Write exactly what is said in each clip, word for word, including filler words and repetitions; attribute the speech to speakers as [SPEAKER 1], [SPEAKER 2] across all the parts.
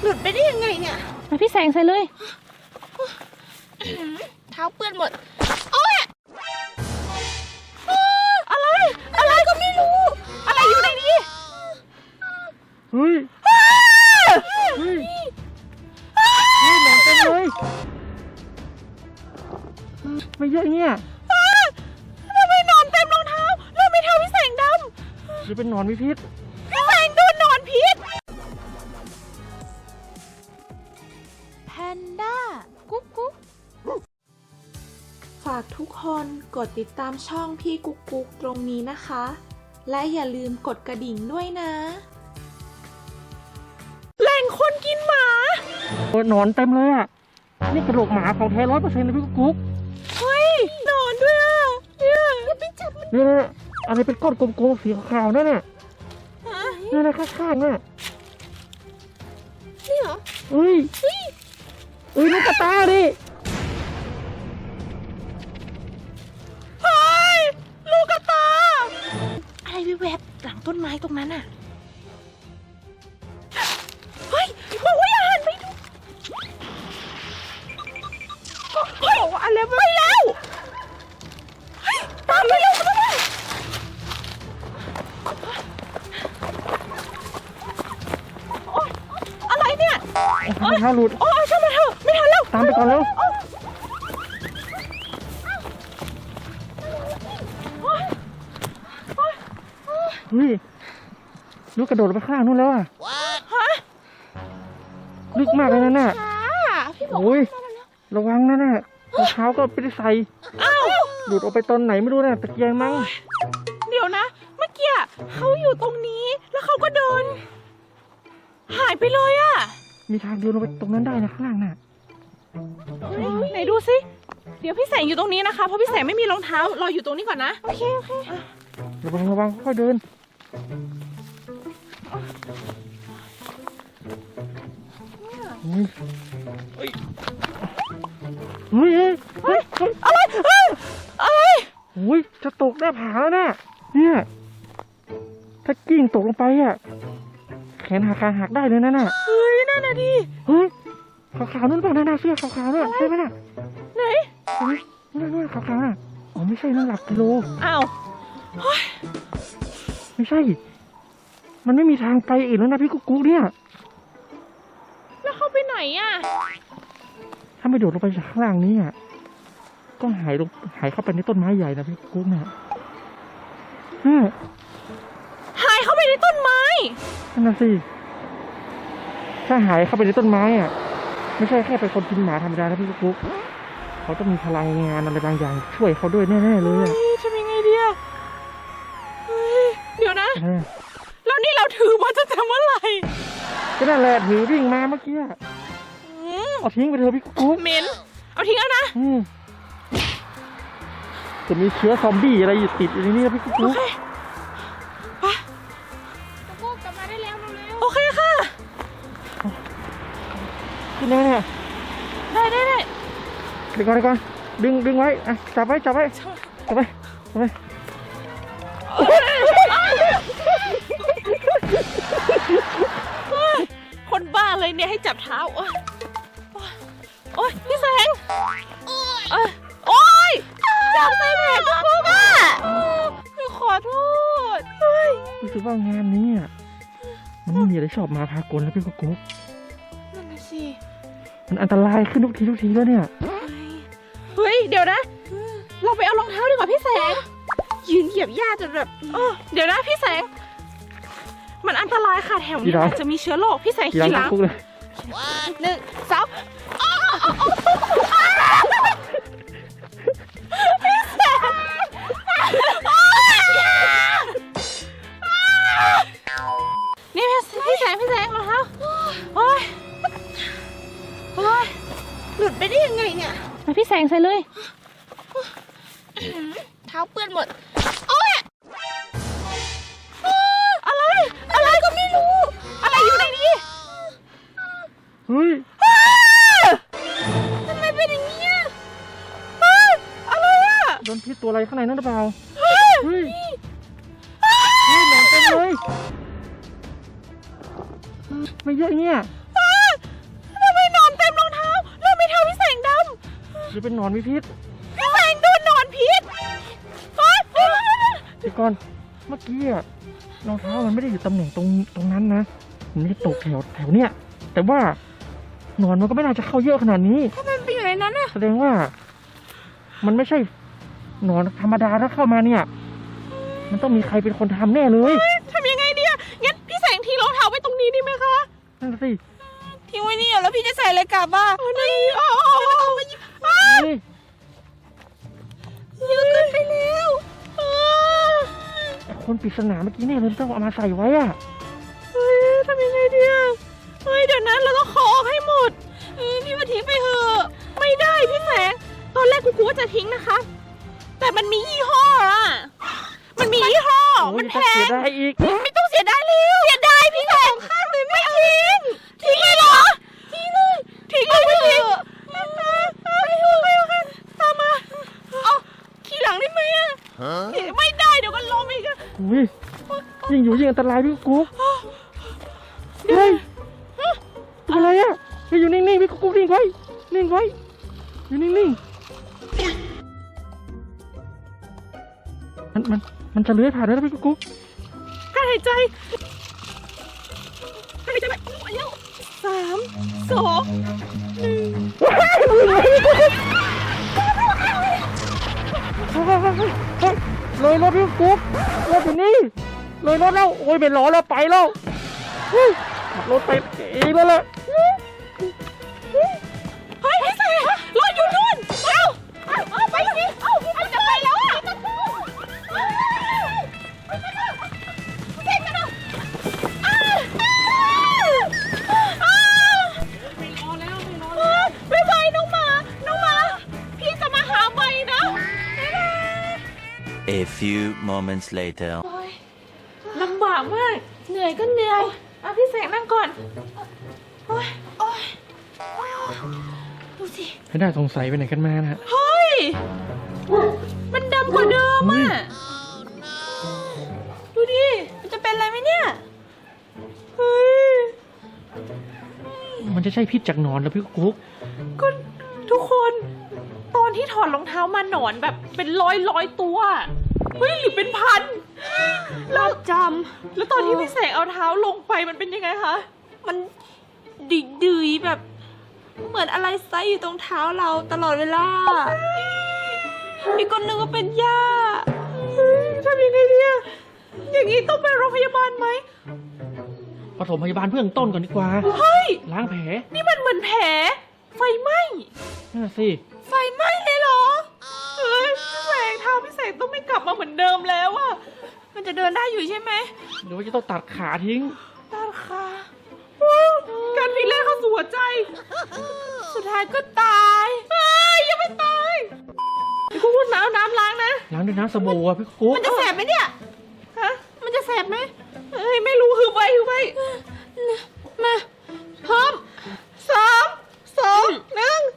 [SPEAKER 1] ลุดไปได้ยังไงเนี่ย
[SPEAKER 2] มาพี่แสงใส่เลย
[SPEAKER 1] เท้าเปื้อนหมดโอ๊ยอะไรอะไรก็ไม่รู้อะไรอยู่ในนี้
[SPEAKER 3] เฮ้ยเฮ้ยเฮ้ยหนอนเต็มเลยไม่เยอะเนี่ย
[SPEAKER 1] ทำไมหนอนเต็มรองเท้าแล้วไม่เท้าพี่แสงด
[SPEAKER 3] ำหรือเป็นหนอนมีพิษ
[SPEAKER 1] พี่แสงโดนหนอนพิษแพนด้ากุ๊กกุ๊ก
[SPEAKER 4] ฝากทุกคนกดติดตามช่องพี่กุ๊กกุ๊กตรงนี้นะคะและอย่าลืมกดกระดิ่งด้วยนะ
[SPEAKER 1] แหล่งคนกินหมา
[SPEAKER 3] โอ้หนอนเต็มเลยอ่ะนี่กระโหลกหมาของแท้ร้อยเปอร์เซ็นต์เลยพี่กุ๊ก
[SPEAKER 1] เฮ้ยหนอนด้วยอ่ะเนี่ยอย่าไปจับมัน
[SPEAKER 3] เนี่ยอะไรเป็นก้อนกลมๆสีขาวๆนั่นน่ะนี่นะข้างๆน่ะ
[SPEAKER 1] นี่เหรอ
[SPEAKER 3] เฮ้ยเฮ้ยลูกกระตาดิ
[SPEAKER 1] เฮ้ยลูกกระตาอะไรแวบๆหลังต้นไม้ตรงนั้นอ่ะเฮ้ยบอกว่าอย่าหันไปดูเฮ้ยบอกว่าอะไรไปแล้วเฮ้ยตามไปเร็วตามไปอะไรเนี่ย
[SPEAKER 3] ไม่ทันหลุด
[SPEAKER 1] โอ้ยช่างมันเถอะไม่ทันแล้ว
[SPEAKER 3] ตามไปก่อนแล้วเฮ้ยลูกกระโดดไปข้างนู้นแล้วอ่ะ
[SPEAKER 1] ฮะ
[SPEAKER 3] ลึกมากเลยนั่นน่ะ
[SPEAKER 1] พี่บอก
[SPEAKER 3] โอ้ยระวังนะน่ะรองเท้าก็ไม่ได้ใส่
[SPEAKER 1] อ้าว
[SPEAKER 3] หลุดออกไปตอนไหนไม่รู้นะตะเกียงมั้ง
[SPEAKER 1] เดี๋ยวนะเมื่อกี้เขาอยู่ตรงนี้แล้วเขาก็เดินหายไปเลยอ่ะ
[SPEAKER 3] มีทางเดินลงไปตรงนั้นได้นะข้างล่างน่ะ
[SPEAKER 1] ไหนดูสิเดี๋ยวพี่แสงอยู่ตรงนี้นะคะเพราะพี่แสงไม่มีรองเท้ารออยู่ตรงนี้ก่อนนะโอเคโอเค
[SPEAKER 3] ระวังระวังค่อยเดินเฮ้ยเฮ้ยเฮ้ยเฮ้ย
[SPEAKER 1] อะไรอะไร
[SPEAKER 3] โอ้ยจะตกหน้าผาแล้วนะเนี่ยถ้ากิ่งตกลงไปอ่ะแขนหักขาหักได้เลยนะน่ะ
[SPEAKER 1] เฮ้ยนั่นน่ะดิ
[SPEAKER 3] เฮ้ยขาวๆนู่นเปล่าน่ะเสื้อขาวๆน่ะใช่ไหมน่ะ
[SPEAKER 1] ไหน
[SPEAKER 3] เฮ้ยนั่นๆขาวๆน่ะอ๋อไม่ใช่นั่นหลักกิโล
[SPEAKER 1] อ้าว
[SPEAKER 3] ไม่ใช่มันไม่มีทางไปอีกแล้วนะพี่กุ๊กกุ๊กเนี่ย
[SPEAKER 1] แล้วเข้าไปไหนอ่ะ
[SPEAKER 3] ถ้าไม่โดดลงไปจากข้างล่างนี้อ่ะก็หายลงหายเข้าไปในต้นไม้ใหญ่นะพี่กุ๊กเนี่ย
[SPEAKER 1] หายเข้าไปในต้นไม้
[SPEAKER 3] นั่นน่ะสิถ้าหายเข้าไปในต้นไม้อ่ะไม่ใช่แค่เป็นคนกินหมาธรรมดานะพี่กุ๊กกุ๊กเขาต้องมีพลังงานอะไรบางอย่างช่วยเขาด้วยแน่ๆเลย
[SPEAKER 1] ทำยังไงดีอ่ะเดี๋ยวนะแล้วนี่เราถือมาจะทำเมื่อไหร่
[SPEAKER 3] ก็นั่นแหละถือวิ่งมาเมื่อกี้เอาทิ้งไปเถอะพี่กุ๊ก
[SPEAKER 1] เหม็นเอาทิ้งแล้วนะ
[SPEAKER 3] จะมีเชื้อซอมบี้อะไรอยู่ติดอยู่ในนี้นะพี่กุ๊ก
[SPEAKER 1] โอเคไปกุ๊กกลับมาได้แล้วเร็วโอเคค่ะ
[SPEAKER 3] ขึ้นได้เนี่ย
[SPEAKER 1] ได้ได้ได้
[SPEAKER 3] เดี๋ยวก่อนเดี๋ยวก่อนดึงดึงไว้อ่ะจับไว้จับไว้จับไว้จับไว้
[SPEAKER 1] คนบ้าเลยเนี่ยให้จับเท้าโอ๊ยโอ๊ยพี่แสงโอ๊ยโอ๊ยจับใส่แผลกุ๊กกุ๊กอ่ะขอโทษ
[SPEAKER 3] รู้สึกว่างานนี้อ่ะมันไม่มีอะไรชอบมาพากลแล้วพี่กุ๊กกุ๊ก
[SPEAKER 1] นั่นน่ะสิ
[SPEAKER 3] มันอันตรายขึ้นทุกทีทุกทีแล้วเนี่ย
[SPEAKER 1] เฮ้ยเดี๋ยวนะเราไปเอารองเท้าดีกว่าพี่แสงยืนเหยียบหญ้าจนแบบเดี๋ยวนะพี่แสงมันอันตรายค่ะแถวนี้อาจจะมีเชื้อโรคพี่แสงขี่หลังหนึ่งสองพี่แสงนี่พี่แสงพี่แสงรองเท้าโอ้ยโอ้ยหลุดไปได้ยังไงเนี่ย
[SPEAKER 2] มาพี่แสงใส่เลย
[SPEAKER 1] เท้าเปื้อนหมดโอ๊ยอะไรอะไรก็ไม่รู้อะไรอยู่ในนี้
[SPEAKER 3] เฮ้ย
[SPEAKER 1] ทำไมเป็นอย่างนี้อะไรอ่ะ
[SPEAKER 3] โดนพิษตัวอะไรข้างในนั่นหรือเปล่าเฮ้ยเฮ้ยหนอนเต็มเลยไม่เยอะเนี่ยหรือเป็นหนอนมีพิษ
[SPEAKER 1] พี่แสงโดนหนอนพิษเฮ้ย
[SPEAKER 3] เดี๋ยวก่อนเมื่อกี้อะรองเท้ามันไม่ได้อยู่ตำแหน่งตรงตรงนั้นนะมันไม่ได้ตกแถวแถวเนี้ยแต่ว่าหนอนมันก็ไม่น่าจะเข้าเยอะขนาดนี้
[SPEAKER 1] ทำไมมันไปอยู่ในนั้นอะ
[SPEAKER 3] แสดงว่า มันไม่ใช่หนอนธรรมดาถ้าเข้ามาเนี่ย มันต้องมีใครเป็นคนทำแน่เลย
[SPEAKER 1] ทำยังไงดีอะงั้นพี่แสงทิ้งรองเท้าไว้ตรงนี้ดีไหมคะ
[SPEAKER 3] นั่นสิ
[SPEAKER 1] ทิ้งไว้นี่แล้วพี่จะใส่อะไรกลับบ้านี่อ๋อมาหยิบอ้า
[SPEAKER 3] เฮ้ย
[SPEAKER 1] เยอะเกินไปแล้วอ่า
[SPEAKER 3] แต่คนปริศนาเมื่อกี้เนี่ยเลยต้องเอามาใส่ไว้อะ
[SPEAKER 1] เฮ้ยทำยังไงดีอะเฮ้ยเดี๋ยวนั้นเราต้องขอออกให้หมดเออพี่มาทิ้งไปเถอะไม่ได้พี่แสงตอนแรกกูกูว่าจะทิ้งนะคะ แต่มันมียี่ห้ออะมันมียี่ห้อ
[SPEAKER 3] โอ้
[SPEAKER 1] มั
[SPEAKER 3] ย
[SPEAKER 1] นแพ
[SPEAKER 3] จะเสีย
[SPEAKER 1] ง
[SPEAKER 3] ดายอีก
[SPEAKER 1] ไม่ต้องเสียดายเลยเสียดายพี่แสงข้างเลยไม่ทิ้งทิ้งเลยเหรอทิ้งเลยทิ้งเลยไม่ทิ้งไม่ทิ้งไม่โอเคตามมาเอาขี่หลังได้ไหมอะไม่ได้เดี๋ยวก็ล้มอีกอะ
[SPEAKER 3] อุ้ยยิ่งอยู่ยิ่งอันตรายพี่กุ๊กเฮ้ยเป็นอะไรอ่ะไปอยู่นิ่งๆพี่กุ๊กนิ่งไว้นิ่งไว้อยู่นิ่งๆมันมันมันจะเลื้อยผ่านได้แล้วพี่กุ๊ก
[SPEAKER 1] การหายใจหายใจไปเร็วสามสองหนึ่ง
[SPEAKER 3] เลยรถพี่กุ๊กรถอยู่นี่เลยรถแล้วโอ้ยเป็นล้อแล้วไปแล้วเฮ้ยขับรถไปเองแล้วแหละ
[SPEAKER 1] เฮ้ยพี่แสงรถอยู่นู่นเอาเอาเอาไปสิเอาเอาจะไปแล้วอะเก่งกันเนอะอ้าวอ้าวไม่รอแล้วไม่รอแล้วบ๊ายบายน้องหมาน้องหมาพี่จะมาหาใหม่นะ
[SPEAKER 5] A few moments later.
[SPEAKER 1] ลำบากมากเหนื่อยก็เหนื่อยเอาพี่แสงนั่งก่อนโอ๊ยโอ๊ยดูสิ
[SPEAKER 3] ไม่ได้สงสัยไปไหนกันมานะ
[SPEAKER 1] เฮ้ย มันดำกว่าเดิมอ่ะ ดูดิ มันจะเป็นอะไรไหมเนี่ย เฮ้ย
[SPEAKER 3] มันจะใช่พิษจากหนอนเหรอพี่กุ๊ก
[SPEAKER 1] ก็ทุกคนตอนที่ถอดรองเท้ามาหนอนแบบเป็นร้อยร้อยตัว เฮ้ยหรือเป็นพันเราจำแล้วตอนที่พี่แสงเอาเท้าลงไปมันเป็นยังไงคะ
[SPEAKER 6] มันดิดืยแบบ เหมือนอะไรไซอยู่ตรงเท้าเราตลอดเวลาอีกคนนึงก็เป็นหญ้า
[SPEAKER 1] เฮ้ยทำยังไงเนี่ยอย่างนี้ต้องไปโรงพยาบาลไหม
[SPEAKER 3] ปฐมพยาบาลเบื้องต้นก่อนดีกว่า
[SPEAKER 1] เฮ้ย
[SPEAKER 3] ล้างแผล
[SPEAKER 1] นี่มันเหมือนแผลไฟไหม้
[SPEAKER 3] นั่นนะสิ
[SPEAKER 1] ไฟไหม้เลยเหรอ เฮ้ยพี่แสงเท้าพี่แสงต้องไม่กลับมาเหมือนเดิมแล้วอะ
[SPEAKER 6] มันจะเดินได้อยู่ใช่ไหม
[SPEAKER 3] หรือว่าจะต้องตัดขาทิ้ง
[SPEAKER 1] ตัดขาว้าวการพิเรนเข้าสู่หัวใจ
[SPEAKER 6] สุดท้ายก็ตาย
[SPEAKER 1] เฮ้ยยังไม่ตายพี่กูพูดน้ำน้ำล้างนะ
[SPEAKER 3] ล้างด้วยน้ำสบู่อะพี่กุ๊ก
[SPEAKER 6] มันจะแสบไหมเนี่ย
[SPEAKER 1] ฮะ
[SPEAKER 6] มันจะแสบไหม
[SPEAKER 1] เฮ้ยไม่รู้คือไปคือไป
[SPEAKER 6] มาพร้อม
[SPEAKER 1] สามสองหนึ่ง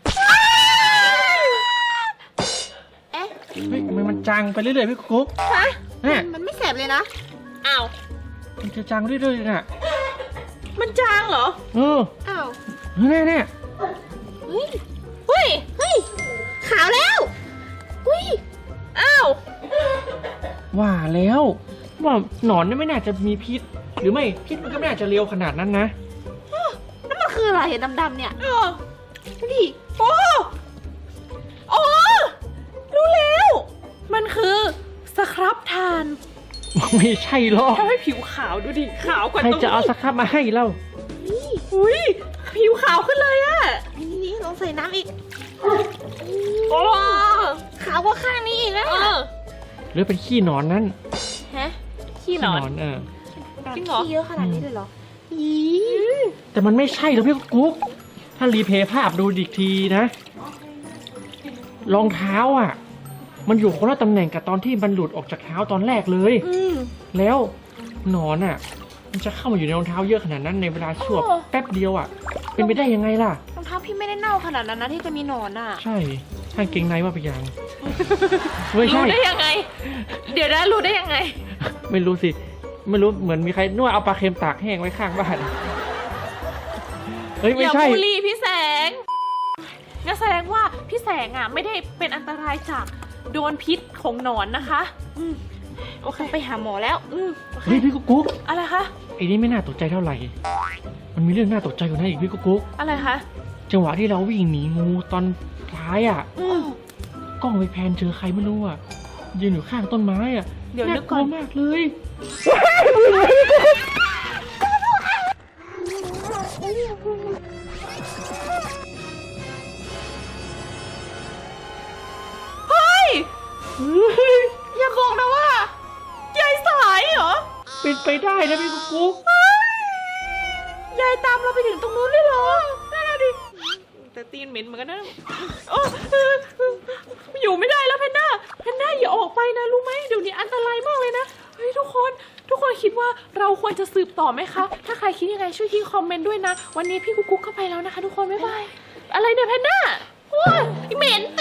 [SPEAKER 6] เอ๊ะ
[SPEAKER 3] เฮ้ยทำไมมันจางไปเรื่อยๆพี่กุ๊ก
[SPEAKER 1] ฮะ
[SPEAKER 3] เนี่ย
[SPEAKER 6] มันไม่แสบเลยนะ
[SPEAKER 1] อ้าว
[SPEAKER 3] มันจะจางเรื่อยๆน่ะ
[SPEAKER 1] มันจางเหรอ
[SPEAKER 3] เออ
[SPEAKER 6] อ้าว
[SPEAKER 3] แน่แน่
[SPEAKER 6] เฮ้ย เฮ้ย เฮ้ย ขาวแล้วอุ้ย
[SPEAKER 1] อ้าว
[SPEAKER 3] ว่าแล้วว่าหนอนนี่ไม่น่าจะมีพิษ หรือไม่พิษมันก็ไม่น่าจะเร็วขนาดนั้นนะ
[SPEAKER 6] นั่นมันคืออะไรอะดำๆเนี่ย
[SPEAKER 1] เออ
[SPEAKER 6] ดูดิ
[SPEAKER 1] โอ้โอ้รู้แล้ว มันคือสครับทาน
[SPEAKER 3] ไม่ใช่หรอก
[SPEAKER 1] ทำให้ผิวขาวดูดิ ขาวกว่า
[SPEAKER 3] ใคร
[SPEAKER 1] ตรง
[SPEAKER 3] จะเอาสครับมาให้เรา
[SPEAKER 1] อุ้ยผิวขาวขึ้นเลยอะ
[SPEAKER 6] นี่นี่ลองใส่น้ำอีก
[SPEAKER 1] โอ้
[SPEAKER 6] ขาวกว่าข้างนี้อีกแล้ว
[SPEAKER 1] เออ
[SPEAKER 3] หรือเป็นขี้หนอนนั้น
[SPEAKER 6] ฮะ
[SPEAKER 1] ขี้หนอน
[SPEAKER 3] เออ
[SPEAKER 1] จริงเหรอ
[SPEAKER 6] ขี้เยอะขนาดนี้เลยเหรออี
[SPEAKER 3] แต่มันไม่ใช่หรอกพี่กุ๊ก ถ้ารีเพย์ภาพดูอีกทีนะ รองเท้าอ่ะ มันอยู่คนละตำแหน่งกับตอนที่มันหลุดออกจากเท้าตอนแรกเลย
[SPEAKER 6] อืม
[SPEAKER 3] แล้วหนอนอ่ะ มันจะเข้ามาอยู่ในรองเท้าเยอะขนาดนั้นในเวลาชั่ว
[SPEAKER 6] โอ้
[SPEAKER 3] แป๊บเดียวอ่ะ เป็นไปได้ยังไงล่ะ
[SPEAKER 6] รองเท้าพี่ไม่ได้เน่าขนาดนั้นนะที่จะมีหนอนอ่ะ
[SPEAKER 3] ใช่ถ้าเกงในว่าไปอย่างไม่
[SPEAKER 1] รู้
[SPEAKER 3] ใช่
[SPEAKER 1] ได้ยังไง เดี๋ยวนะรู้ได้ยังไง
[SPEAKER 3] ไม่รู้สิ ไม่รู้เหมือนมีใครนวดเอาปลาเค็มตากแห้งไว้ข้างบ้าน เฮ้ย
[SPEAKER 1] อ
[SPEAKER 3] ไม่
[SPEAKER 1] ย่า
[SPEAKER 3] ใช่
[SPEAKER 1] บูลลี่พี่แสงงั้นแสดงว่าพี่แสงอ่ะไม่ได้เป็นอันตรายจากโดนพิษของหนอนนะคะอืมโอเคไปหาหมอแล้วอืมโอเค
[SPEAKER 3] เฮ้ยพี่กุ๊กกุ๊ก
[SPEAKER 1] อะไรคะ
[SPEAKER 3] ไอ้นี่ไม่น่าตกใจเท่าไหร่ มันมีเรื่องน่าตกใจกว่านั้นอีกพี่กุ๊กกุ๊ก
[SPEAKER 1] อะไรคะ
[SPEAKER 3] จังหวะที่เราวิ่งหนีงูตอนท้ายอ่ะ
[SPEAKER 1] อืม
[SPEAKER 3] กล้องไปแพนเจอใครไม่รู้อ่ะยืนอยู่ข้างต้นไม้อ่ะ
[SPEAKER 1] เดี๋ยวนึกก่อน
[SPEAKER 3] ากลัวมากเลย
[SPEAKER 1] เฮ้ยอย่าบอกนะว่ายายสายเหรอ
[SPEAKER 3] เป็นไปได้นะพี่กุ๊กกุ๊ก
[SPEAKER 1] ยายตามเราไปถึงตรงนู้นเลยเหรอนั่นน่ะดิแต่ตีนเหม็นเหมือนกันนะโอ้อยู่ไม่ได้แล้วเพนด้าเพนด้าอย่าออกไปนะรู้ไหมเดี๋ยวนี้อันตรายมากเลยนะเฮ้ยทุกคนทุกคนคิดว่าเราควรจะสืบต่อไหมคะถ้าใครคิดยังไงช่วยทิ้งคอมเมนต์ด้วยนะวันนี้พี่กุ๊กกุ๊กเข้าไปแล้วนะคะทุกคนบ๊ายบายอะไรเนี่ยเพนด้าโอ้ยเหม็น